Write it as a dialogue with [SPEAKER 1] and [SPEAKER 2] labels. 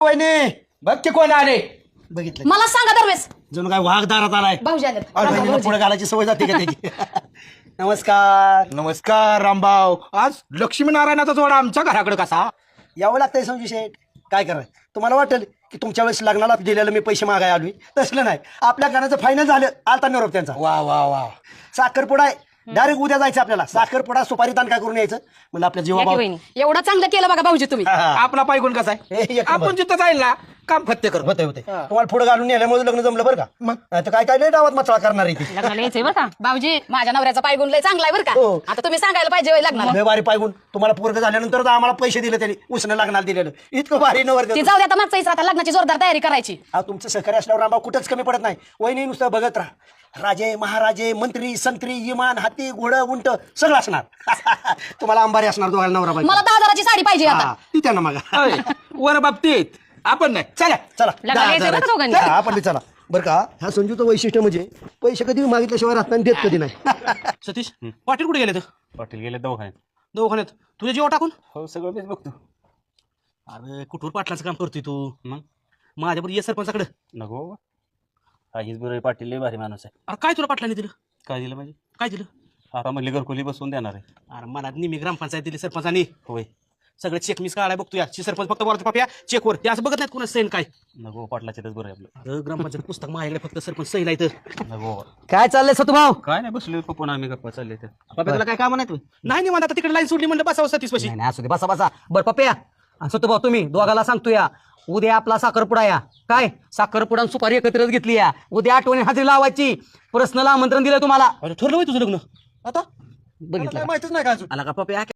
[SPEAKER 1] वहिनी बघ की कोण आले.
[SPEAKER 2] बघितलं
[SPEAKER 3] मला सांगा दरवेळेस
[SPEAKER 2] जणू काय वाघ दारात आलाय.
[SPEAKER 3] भाऊजी आले.
[SPEAKER 2] बहिणीला पुढे घालायची सवय जाते का त्याची. नमस्कार.
[SPEAKER 1] नमस्कार रामभाऊ. आज लक्ष्मीनारायणाचा जोडा आमच्या घराकडे कसा
[SPEAKER 2] यावं लागतंय संजू शेठ. काय करायचं तुम्हाला वाटेल की तुमच्या वेळेस लग्नाला दिलेलं मी पैसे मागाय आलोय. तसलं नाही. आपल्या घराचं फायनल झालं. आलता निरोप त्यांचा.
[SPEAKER 1] वा वा वा.
[SPEAKER 2] साखरपुडा आहे. डायरेक्ट उद्या जायचं आपल्याला. साखरपुडा सुपारी ताण काय करून यायचं म्हणलं आपल्या जीवा
[SPEAKER 3] एवढं चांगलं केलं बघा भाऊजी तुम्ही.
[SPEAKER 1] आपला पायगुण कसा
[SPEAKER 2] हे
[SPEAKER 1] आहे
[SPEAKER 2] एक नंबर.
[SPEAKER 1] आपण जिथं जाईल ना काम फत्ते करू.
[SPEAKER 2] होते तुम्हाला पुढे घालून नेल्यामुळे लग्न जमलं बरं का.
[SPEAKER 1] मग
[SPEAKER 2] नाही तर काय काय लय डावात मचळा करणार आहे ती.
[SPEAKER 3] लग्नाला यायचंय बरं का भाऊजी. माझ्या नवऱ्याचा पायगुण लय चांगला आहे बरं
[SPEAKER 2] हो.
[SPEAKER 3] का. आता तुम्ही सांगायला पाहिजे होय लग्नाला.
[SPEAKER 2] लय भारी पायगुण. तुम्हाला पोरग झाल्यानंतर आम्हाला पैसे दिले त्यांनी उसनं लग्नाला दिलेलं. इतकं भारी नवर
[SPEAKER 3] ती जाऊ दे आता मागचा आता लग्नाची जोरदार तयारी करायची.
[SPEAKER 2] तुमचं सहकार्य असल्यावर रामभाऊ कुठंच कमी पडत नाही. वहिनी नुसतं बघत राहा. राजे महाराजे मंत्री संत्री इमान हाती घोडं उंट सगळं असणार. तुम्हाला अंबारी असणार दोघांना नवरा बायको.
[SPEAKER 3] मला 10,000ची साडी पाहिजे आता.
[SPEAKER 2] ती त्यांना मागा.
[SPEAKER 1] अय, वर बाबतीत आपण नाही. चला
[SPEAKER 2] चला
[SPEAKER 3] लग्नाला यायचंय बरं का दोघांनी.
[SPEAKER 2] हा, आपण बी चला बरं का. ह्या संजूचं वैशिष्ट्य म्हणजे पैसे कधी मागितल्याशिवाय राहताना देत कधी नाही.
[SPEAKER 1] सतीश पाटील कुठे गेले तर
[SPEAKER 4] पाटील गेले दवाखान्यात.
[SPEAKER 1] दवाखान्यात तुझे जीव टाकून.
[SPEAKER 4] हो सगळं मीच बघतो.
[SPEAKER 1] अरे कुठवर पाटलाचं काम करतोय तू.
[SPEAKER 4] मग
[SPEAKER 1] माझ्याबरोबर ये सरपंचाकडे.
[SPEAKER 4] नको बाबा. हा हीच बरोबर पाटील लय भारी माणूस आहे.
[SPEAKER 1] अरे काय तुला पाटलाने दिलं.
[SPEAKER 4] काय दिलं म्हणजे
[SPEAKER 1] काय दिलं.
[SPEAKER 4] आता म्हणले घरकुली बसवून देणार आहे.
[SPEAKER 1] अरे मला निमी ग्रामपंचायत दिली सरपंचानी.
[SPEAKER 4] होय
[SPEAKER 1] सगळं चेक मिस काढाय बघतो या सरपंच फक्त बोलतो पाप्या चेकवर ते असं बघत नाहीत कोणा सैन काय.
[SPEAKER 4] नको पाटलाच्यातच बरं आहे आपलं.
[SPEAKER 1] अरे ग्रामपंचायत पुस्तक माझ्याकडे फक्त सरपंच सैन आहे तर.
[SPEAKER 4] नको बाबा.
[SPEAKER 2] काय चाललंय सतुभाऊ.
[SPEAKER 4] काय नाही बसलो पप्पा आम्ही गप्पा चालले तर.
[SPEAKER 1] पाप्याला काय काम नाही. नाही म्हणत आता तिकडे लाईन सोडली म्हणलं बसावं सतीश पशी.
[SPEAKER 5] नाही असू दे बसा बसा. बरं पप्या असं भाऊ तुम्ही दोघाला सांगतो या उद्या आपला साखरपुडा या. काय साखरपुडा आणि सुपारी एकत्रच घेतली या. उद्या आठवणी हजेरी लावायची. पर्सनल आमंत्रण दिलं तुम्हाला.
[SPEAKER 1] अरे ठरलं होय तुझं लग्न आता.
[SPEAKER 5] बघितलं
[SPEAKER 1] माहितच नाही का अजून.
[SPEAKER 5] आला का पप्या